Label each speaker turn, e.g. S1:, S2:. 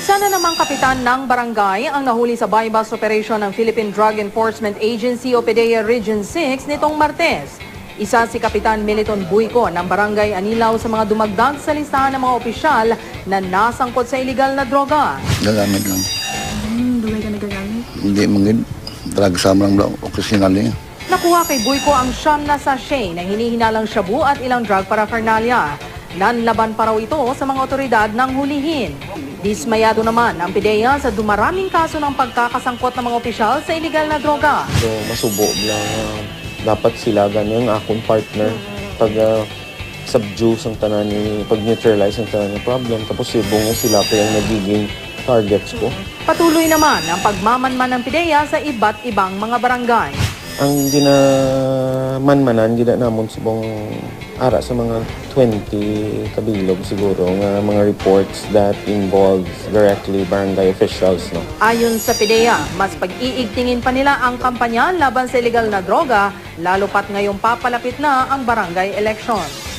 S1: Isa na namang kapitan ng barangay ang nahuli sa buy-bust operation ng Philippine Drug Enforcement Agency o PDEA Region 6 nitong Martes. Isa si Kapitan Meliton Buico ng Barangay Anilaw sa mga dumagdag sa listahan ng mga opisyal na nasangkot sa iligal na droga.
S2: Gagamit lang.
S3: Dugay ka nagagamit?
S2: Hindi mangin. Drug sama lang occasional niya.
S1: Nakuha kay Buico ang siyam na sachet na hinihinalang shabu at ilang drug paraphernalia. Nanlaban pa raw ito sa mga otoridad ng hulihin. Dismayado naman ang PDEA sa dumaraming kaso ng pagkakasangkot ng mga opisyal sa iligal na droga.
S4: So, masubo lang. Dapat sila ganyan akong partner pag subdue ang tanan ni pag-neutralize ang tanan ng problem. Tapos ibong sila pa yung nagiging targets ko.
S1: Patuloy naman ang pagmamanman ng PDEA sa iba't ibang mga barangay.
S4: Ang ginamanmanan, gina namon subong ara sa mga 20 kabilog siguro nga mga reports that involves directly barangay officials. No?
S1: Ayon sa PDEA, mas pag-iigtingin pa nila ang kampanya laban sa illegal na droga, lalo pat ngayong papalapit na ang barangay election.